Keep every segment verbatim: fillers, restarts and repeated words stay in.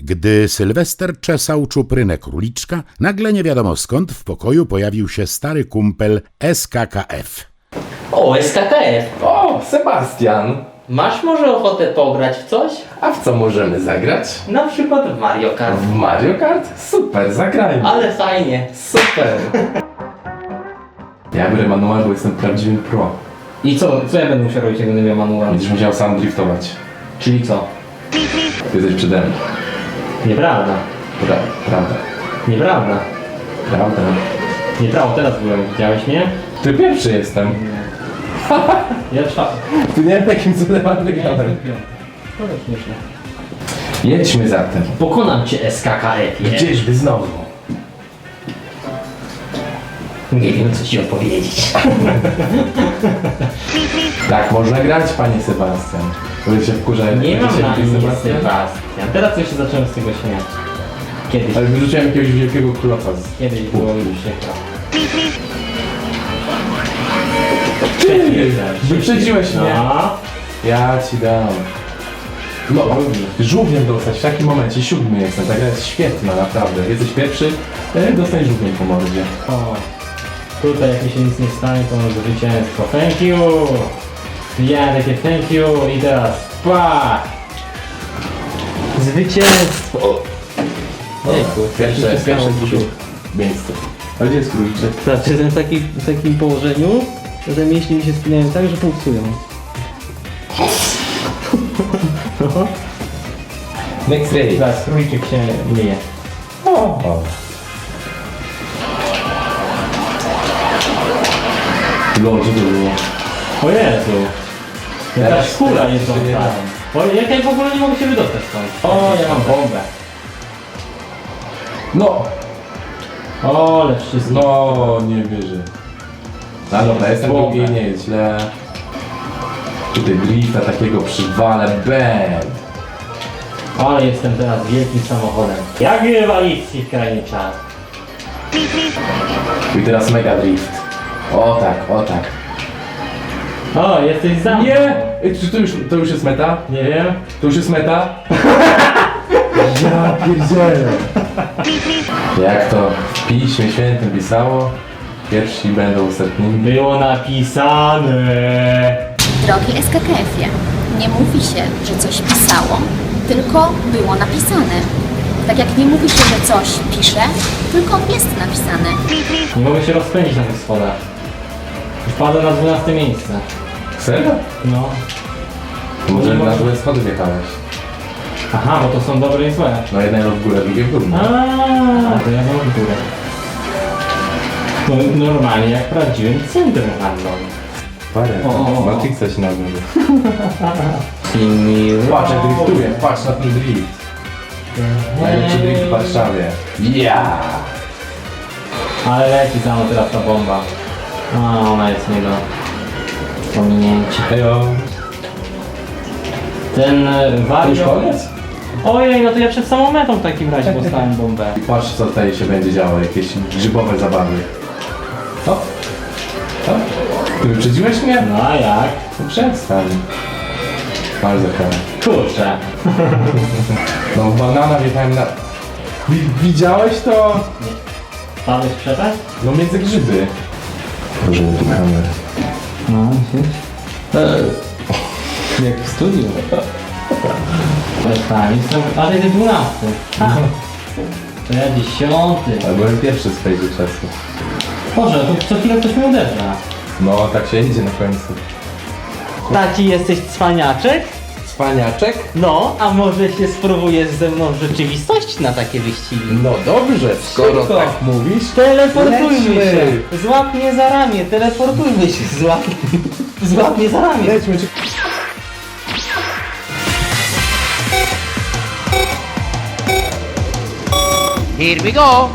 Gdy Sylwester czesał czuprynę króliczka, nagle nie wiadomo skąd w pokoju pojawił się stary kumpel S K K F. O, S K K F. O, Sebastian! Masz może ochotę pograć w coś? A w co możemy zagrać? Na przykład w Mario Kart. W Mario Kart? Super, zagrajmy! Ale fajnie. Super! Ja biorę manual, bo jestem prawdziwym pro. I co, co ja będę musiał robić, jak będę miał manual? Będziesz musiał sam driftować. Czyli co? Ty jesteś przede mną. Nieprawda. Pra prawda. Nieprawda. Prawda. Nieprawda, teraz byłem. Widziałeś mnie? Ty pierwszy jestem. Ja czwarty. Tu nie wiem takim cudem wygrałem. To jest śmieszne. Jedźmy zatem. Pokonam cię, S K K F. Gdzieżby znowu? Nie wiem, co ci odpowiedzieć. Tak można grać, panie Sebastian. Bo się wkurza, jak Nie mam się na mówi imię Sebastian. Sebastian. Teraz już się zacząłem z tego śmiać. Kiedyś. Ale wyrzuciłem jakiegoś wielkiego kloca z... Kiedyś było już przykro. Ty! Wyprzedziłeś mnie! No. Ja ci dam. No, żółwiem dostać w takim momencie, siódmy jestem, ta gra jest świetna, naprawdę. Jesteś pierwszy, e, dostaniesz żółwiem po mordzie. O. Tutaj jak mi się nic nie stanie, to mam zwycięstwo. Thank you! Ja takie thank you i teraz pa! Zwycięstwo! Jejku, Pierwsze, co się pierwsze stało? drugie miejsce. A gdzie jest króliczek? Znaczy, jestem w, taki, w takim położeniu, że mięśnie mi się spinają tak, że pulsują. Next race. Zaraz króliczek się myje. O. Lol, co to było? O Jezu! Jakaś Teraz- kula teraz jest jeszcze nie tam. O, jak ja w ogóle nie mogę się wydostać stąd. O, ja mam bombę. No! O, ale wszystko. No, nie wierzę. No dobra, jestem drugi, nie jest źle. Tutaj drifta takiego przywalę, band. Ale jestem teraz wielkim samochodem. Jak rywalicji w krainie czas. I teraz mega drift. O tak, o tak. O, jesteś za mną. Nie! Ej, Czy to już, to już jest meta? Nie wiem. To już jest meta? Ja pierdzielę. Jak to w Piśmie Świętym pisało? Pierwsi będą ostatnimi. Było napisane. Drogi S K K F-ie, nie mówi się, że coś pisało, tylko było napisane. Tak jak nie mówi się, że coś pisze, tylko jest napisane. Nie mogę się rozpędzić na tych schodach. Wpadłem na dwunaste miejsce. Serio? No. To może Nie na mogę. złe schody wjechałeś. Aha, bo to są dobre i złe. No jedno w górę, drugie w dół. no. Aaaa, to ja mam w górę. No, normalnie jak w prawdziwym centrum handlowym. Parę. O, o, o. Matrixa się nazywa. Simi Patrz jak driftuje, patrz na ten drift. Najlepszy drift w Warszawie. Ja. Ale leci za mną teraz ta bomba. A, ona jest nie do pominięcia. Hejo. Ten e, To już wariat... koniec? Ojej, no to ja przed samą metą w takim razie dostałem bombę. Patrz co tutaj się będzie działo, jakieś grzybowe zabawy. Co? Co? Ty wyprzedziłeś mnie? No a jak? No przestań. Bardzo karę. Kurczę. No banana wjechałem na... Wi- Widziałeś to? Padłeś w przepaść? No między grzyby. Proszę tu kamerę. No, widzisz? Jak w studiu. Ale tak, jestem... Ale ty dwunasty. Ha. To ja dziesiąty. Ale byłem pierwszy z tej czasu. Boże, to co chwilę ktoś mnie uderza. No tak się idzie na końcu. Taki jesteś cwaniaczek? Cwaniaczek? No, a może się spróbujesz ze mną w rzeczywistości na takie wyścigi? No dobrze, skoro Szybko. tak mówisz. Teleportujmy Lećmy. się! Złap mnie za ramię, teleportujmy się, złap, złap mnie za ramię! Lećmy, czy... Here we go!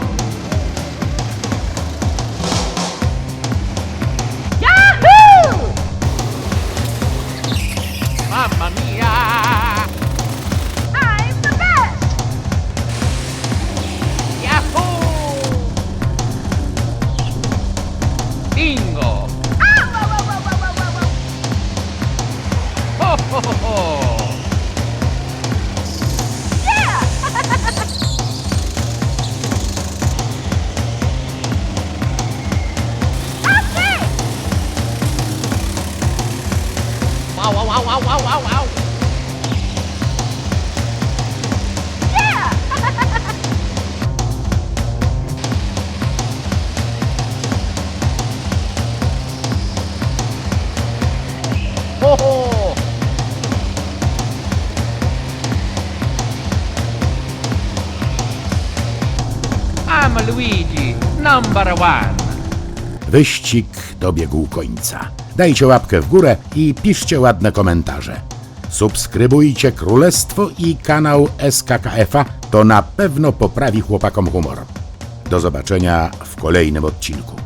Yahoo! Mamma mia! I'm the best! Yahoo! Bingo! Ho ho ho ho! Yeah! au, au! Ho, ho! I'm Luigi, number one. Wyścig dobiegł końca. Dajcie łapkę w górę i piszcie ładne komentarze. Subskrybujcie Królestwo i kanał S K K F a, to na pewno poprawi chłopakom humor. Do zobaczenia w kolejnym odcinku.